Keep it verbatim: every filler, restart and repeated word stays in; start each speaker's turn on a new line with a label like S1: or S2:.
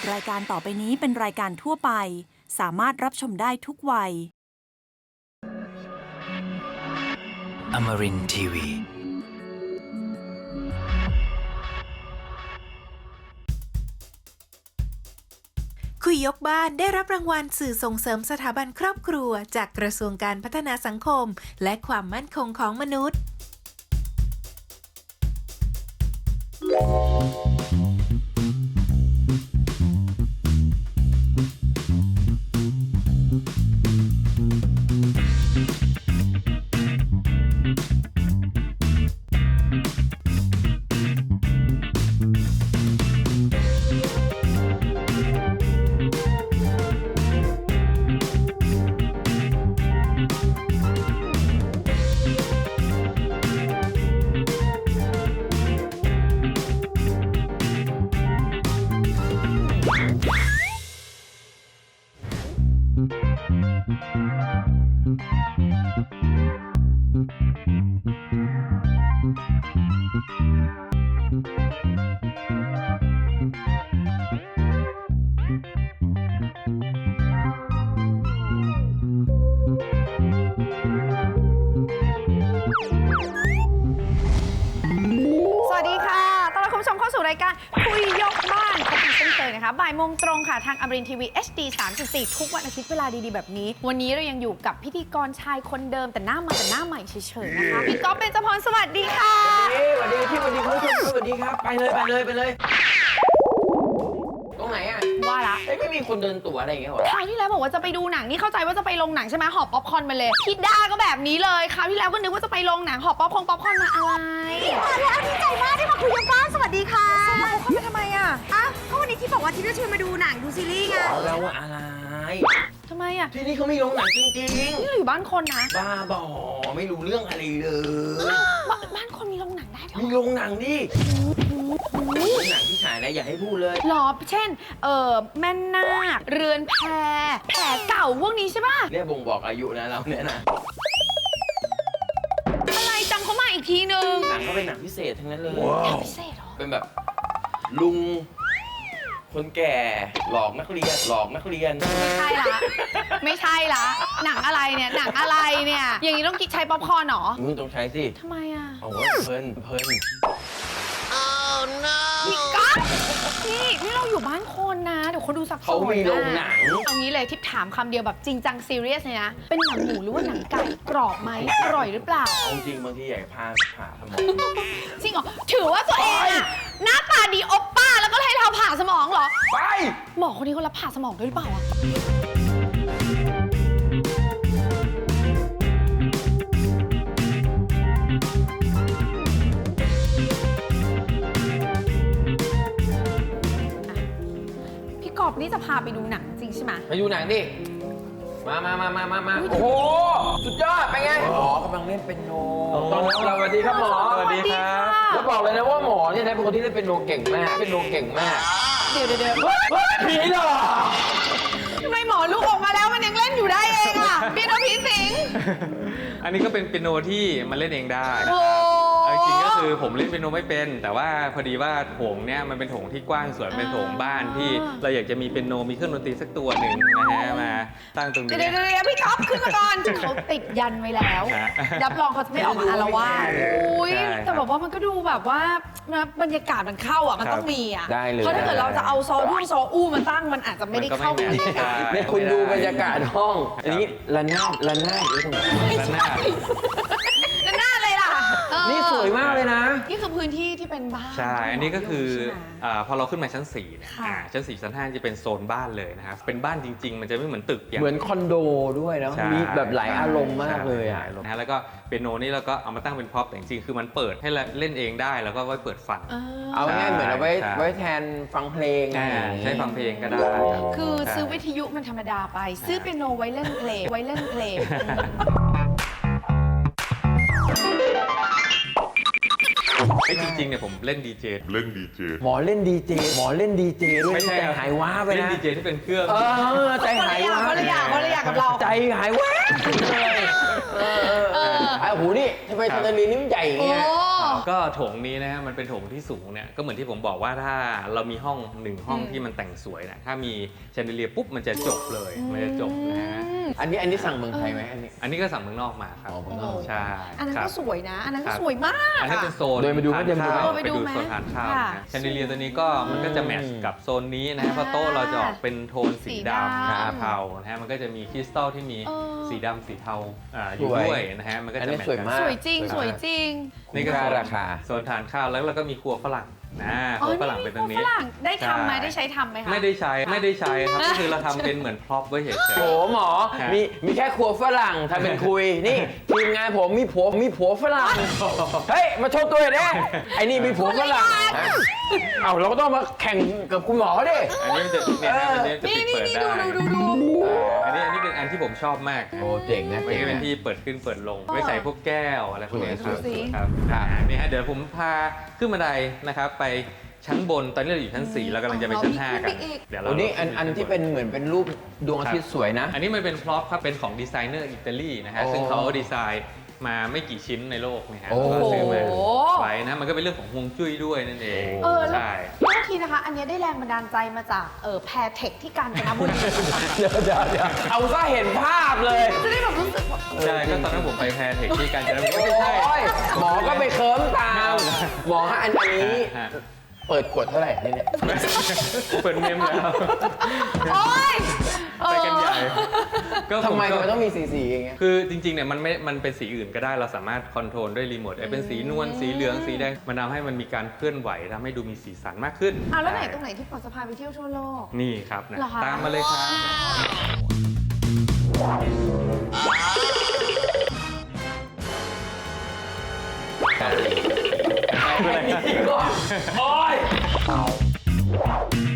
S1: รายการต่อไปนี้เป็นรายการทั่วไปสามารถรับชมได้ทุกวัย
S2: Amarin ที วี
S3: คุยยกบ้านได้รับรางวัลสื่อส่งเสริมสถาบันครอบครัวจากกระทรวงการพัฒนาสังคมและความมั่นคงของมนุษย์
S4: สวัสดีค่ะต้อนรับคุณผู้ชมเข้าสู่รายการคุยยกบ้านพบกันเช่นเคยนะคะบ่ายโมงตรงค่ะทางอมรินทร์ทีวี เอช ดี สามสิบสี่ ทุกวันอาทิตย์เวลาดีๆแบบนี้วันนี้เรายังอยู่กับพิธีกรชายคนเดิมแต่หน้าใหม่แต่หน้าใหม่เฉยๆนะคะพี่ก๊อฟเบญจพรสวัสดีค่ะ
S5: สวัสดีพี่สวัสดีคุณผู้ชมสวัสดีครับไปเลยไปเลยไปเลยตรงไหนอ่ะ
S4: ว่าละ
S5: เอ้ยไม่มีคนเดินตั๋วอะไรอย่างเงี้ยหรอ
S4: คราวที่แล้วบอกว่าจะไปดูหนังนี่เข้าใจว่าจะไปลงหนังใช่ไหมหอบป๊อปคอร์นมาเลยพี่ด้าก็แบบนี้เลยคราวที่แล้วก็นึกว่าจะไปลงหนังหอบป๊อปคอร์นป๊อปคอร์นมาอะไร
S6: มาแล้วดีใจมากที่มาคุยกันบ้านสวัสดีค่ะ
S4: สวัสดีค่ะทำไมอ่ะ
S6: อ่ะก็วันนี้ที่บอกว่าที่จะชวนมาดูหนังดูซีรีส์ไง
S5: แล้วว่าอะไร
S4: ทำไมอ่ะ
S5: ที่นี่เขาไม่ลงหนังจริง
S4: นี่เราอยู่บ้านคนนะ
S5: ๆบ้าบอไม่รู้เรื่องอะไรเลย
S4: บ้านบ้านคนมีลงหนังได้เหรอ
S5: มีลงหนังดิหนังที่ฉายนะอย่าให้พูดเลย
S4: หรอเช่นเออแม่นาคเรือนแพแผลเก่าพวกนี้ใช่ป่ะ
S5: เนี่ยบ่งบอกอายุนะเราเนี่ยนะ
S4: อะไรจำเขามาอีกทีนึง
S5: หนังก็เป็นหนังพิเศษทั้งนั้นเลย
S4: หนังพิเศษเหรอ
S5: เป็นแบบลุงคนแก่หลอกนักเรียนหลอกนักเรียน
S4: ไม่ใช่ละไม่ใช่ละหนังอะไรเนี่ยหนังอะไรเนี่ยอย่างนี้ต้องกินใช้ป๊อปคอร์นเหรอ
S5: มึงต้องใช้สิ
S4: ทำไมอ่ะ
S5: โอ้ยเพลินเพลิน
S4: พี่ก๊อฟนี่นี่เราอยู่บ้านคนนะเดี๋ยวคนดูสับสน
S5: เขามีโรงหนัง
S4: เอางี้เลยทิปถามคำเดียวแบบจริงจังซีเรียสเลยนะเป็นหนังหมูหรือว่าหนังไก่กรอบไหมอร่อยหรือเปล่า
S5: เอาจริงบางทีอยากพาผ่าสมอง
S4: จริงเหรอถือว่าตัวเองอะหน้าตาดีโอปป้าแล้วก็ให้เราผ่าสมองเหรอ
S5: ไป
S4: หมอคนนี้เขารับผ่าสมองด้วยหรือเปล่าอะพี่กอบนี่จะพาไปดูหนังจริงใช่ไหม
S5: ไปดูหนังดิ มามามามามามาโอ้โห สุดยอด ไปไง หมอกำลังเล่นเป็นโนตอนนี้เราสวัสดีครับหมอ
S4: สวัสดีครับ
S5: แล้วบอกเลยนะว่าหมอเนี่ยนะเป็นคนที่เล่นเป็นโนเก่งมาก เป็นโนเก่งมาก
S4: เดี๋ยวเดี๋ยวเดี๋ยว
S5: ผีเหรอ
S4: ทำไมหมอลูกออกมาแล้วมันยังเล่นอยู่ได้เองอะเปียโนผีสิง
S7: อันนี้ก็เป็นเปียโนที่มันเล่นเองได้นะ
S4: โอ้
S7: เอาจริงๆก็คือผมเล่นเปียโนไม่เป็น แต่ว่าพอดีว่าโถงเนี่ยมันเป็นโถงที่กว้างสวยเป็นโถงบ้านที่เราอยากจะมีเปียโนมีเครื่องดนตรีสักตัวหนึ่งนะฮะมาตั้งตรงนี้
S4: เดี๋ยวเดี๋ยวเดี๋ยวพี่ท็อปขึ้นมาก่อนเขาติดยันไว้แล้ว
S7: ฮะ
S4: รับรองเขาจะไม่ออกมาอาละวาดอุ้ย
S7: ใช่ครับ
S4: แต่แบบว่ามันก็ดูแบบว่าบรรยากาศมันเข้าอ่ะมันต้องมีอ่ะ
S5: ได้เลย
S4: เพราะถ้าเกิดเราจะเอาซอรุ่งซออู้มาตั้งมันอาจจะไม่ได้เข้ากับบรรยากาศ
S5: เนี่ยคุณดูบรรยากาศห้อง อันนี้ระนาดระนาดอยู่ตรงไหน
S7: ด้านหน้า
S4: นั่นหน้าเลยล่ะเออ
S5: นี่สวยมากเลยนะ
S4: นี่คือพื้นที่ที่เป็นบ้าน
S7: ใช่ อันนี้ก็คือ
S4: ใช่ไหม
S7: อ่าพอเราขึ้นมาชั้นสี่เนี่ย
S4: ค่ะ
S7: อ่าชั้นสี่ชั้นห้าจะเป็นโซนบ้านเลยนะครับเป็นบ้านจริง ๆ มันจะไม่เหมือนตึกอย่าง
S5: เหมือนคอนโดด้วยนะ
S7: ใช่
S5: มีแบบหลายอารมณ์มากเลยอ่ะ
S7: ใช่นะฮะแล้วก็เปียโนนี่เราก็เอามาตั้งเป็นพ็อปแต่จริงๆคือมันเปิดให้เล่นเองได้แล้วก็ไว้เปิดฟัง
S4: เออ
S5: เอาง่ายๆเหมือนเอาไว้
S7: ใช่
S5: ไว้แทนฟังเพลง
S7: อ่า
S5: อะไรอย่างงี้
S7: ใช้ฟังเพลงก็ได้รับ
S4: คือซื้อ
S7: ใช่
S4: วิทยุมันธรรมดาไป ซื้อเปียโนไว้เล่นเพลงไว้เล่นเพลง
S7: ไอ้จริงๆเนี่ยผมเล่นดีเจ
S8: เล่นดีเจ
S5: หมอเล่นดีเจหมอเล่นดีเจด้วย
S7: ไม่ใช่
S5: ใจหายว้าไป
S7: เล่น
S5: นะ
S7: ดีเจที่เป็นเครื่อง
S5: เออใจหายว้า
S4: คนละอย่างคนละอย่างกับเรา
S5: ใจหายว้าเลยเออเออเออไอ้หูนี่ทำไม
S7: ครั
S5: ทา
S7: บ
S5: นาลีนี่มันใหญ่อย่าง
S4: โอ้
S5: เงี้ย
S7: ก็โถงนี้นะฮะมันเป็นโถงที่สูงเนี่ยก็เหมือนที่ผมบอกว่าถ้าเรามีห้องหนึ่งห้องที่มันแต่งสวยนะถ้ามีแชนเดเลียร์ปุ๊บมันจะจบเลยมันจะจบนะฮะ
S5: อันนี้อันนี้สั่งเมืองไทยไหมอันนี้
S7: อันนี้ก็สั่งเมืองนอกมาครับ
S5: อ๋อเมืองนอก
S7: ใช่
S4: อันนั้น
S7: ครั
S4: ก็
S7: บ
S4: สวยนะ อันนั้นก็
S7: ครับ
S4: สวยมาก
S7: อันนี้เป็นโซน
S5: เดินไปดูไหม
S7: ทาน
S5: เดินไปดูไหม
S7: ข้าว
S4: ไปดูไหม
S7: โซนทานข้าว
S4: ค่ะ
S7: นะแชนเดเลียร์ตัวนี้ก็มันก็จะแมทช์กับโซนนี้นะฮะเพราะโต๊ะเราจะออกเป็นโทนสีดำ
S4: สีดำ
S7: สีเทานะฮะมันก็จะมีคริสตัลที่มี
S4: เออ
S7: สีดำสีเทาอ่าอยู่
S5: สวย
S7: ด้วยนะฮะมันก็
S5: อัน
S7: จะ
S5: นี้
S7: แมทช์
S5: สวย
S7: กัน
S5: มาก
S4: สวยจริง สวยจริง
S7: นี่ก็
S5: คุ้มค่า
S7: โซน
S5: ราคา
S7: โซนทานข้าวแล้วเราก็มีครัวฝรั่งนะค
S4: อ๋อ
S7: รัว
S4: นี่
S7: ฝรั่งเป็นตรงนี้
S4: ฝรั่งได้ทำไหม
S7: ใช่
S4: ได้ใช้ทำไหมคะ
S7: ไม่ได้ใช้ไม่ได้ใช้ครับก็คือเราทำเป็นเหมือนพร็อพไว้เฉย
S5: โอ้หมอ
S7: ฮะ
S5: มีมีแค่ครัวฝรั่งทำเป็นคุย นี่ทีมงานผมมีผัวมีผัวฝรั่ง เฮ้ย มาโชว์ตัวหน่อยดิไอ้นี่มีผัวฝรั่งฮะเอาเราก็ต้องมาแข่งกับคุณหมอดิ
S7: ๆอันนี้มันจะเนี่ยนะอันนี้จะ
S4: นี่
S7: ปิด
S4: นี่
S7: เปิด
S4: นี่
S7: ได้
S4: ดูดูดูดู
S7: อันนี้อันนี้เป็นอันที่ผมชอบมาก
S5: โอ้เจ๋งนะ
S7: ไว้
S5: เจ๋ง
S7: เป็น
S5: นะ
S7: ที่เปิดขึ้นเปิดลงไว้ใส่พวกแก้วอะไรพวกนี้ครับ
S4: ดูสิ
S7: ครับอ่านี่ฮะเดี๋ยวผมพาขึ้นบันไดนะครับไปชั้นบนตอนนี้เราอยู่ชั้นสี่เรากำลังจะไปชั้นห้ากันเดี๋ยวเรา
S5: โอ้นี่อันอันที่เป็นเหมือนเป็นรูปดวงอาทิตย์สวยนะ
S7: อันนี้มันเป็นพร็อพครับเป็นของดีไซเนอร์อิตาลีนะฮะ
S5: โอ้
S7: ซึ่งเขาดีไซน์มาไม่กี่ชิ้นในโลกนะฮะ
S5: โอ้
S7: แล้วก็ซื้อมาไว้นะมันก็เป็นเรื่องของฮวงจุ้ยด้วยนั่นเอง
S4: เออแล้ว
S7: ใช่
S4: โทษทีนะคะ อันเนี้ยได้แรงบันดาลใจมาจากเออแพรเทคที่กาญจนบุรี
S5: เดี๋ยวเดี๋ยวเดี๋ยวเอาซะเห็นภาพเลย
S4: จะได้แบบรู้สึกว่า
S7: ใช่ก็ตอนนั้นผมไปแพรเทคที่กาญจนบุรี
S5: โอ้
S7: ไม่ใช่
S5: ยหมอก็ไปเคิร์มตามหมอฮะอันนี้
S7: ฮะ
S5: เปิดขวดเท่าไหร่นี่เนี่ย
S7: เปิดเมมแล้ว
S4: โอ๊ยเอ
S7: ไป
S4: อ
S7: กันใหญ่ก็
S5: ทำไม
S7: ผก็
S5: มันต้องมีสีสีอย่างเงี้ย
S7: คือจริงๆเนี่ยมันไม่ มันเป็นสีอื่นก็ได้เราสามารถคอนโทรลด้วยรีโมทเป็นสีนวลสีเหลืองสีแดงมันทำให้มันมีการเคลื่อนไหวทำให้ดูมีสีสันมากขึ้น
S4: อ่ะแล้วไหนตรงไหนที่ปอจะพาไปเที่ยวทั่วโลก
S7: นี่ครับนะ
S4: เหรอคะ
S7: ตามมาเลยครับ
S5: โอ้ย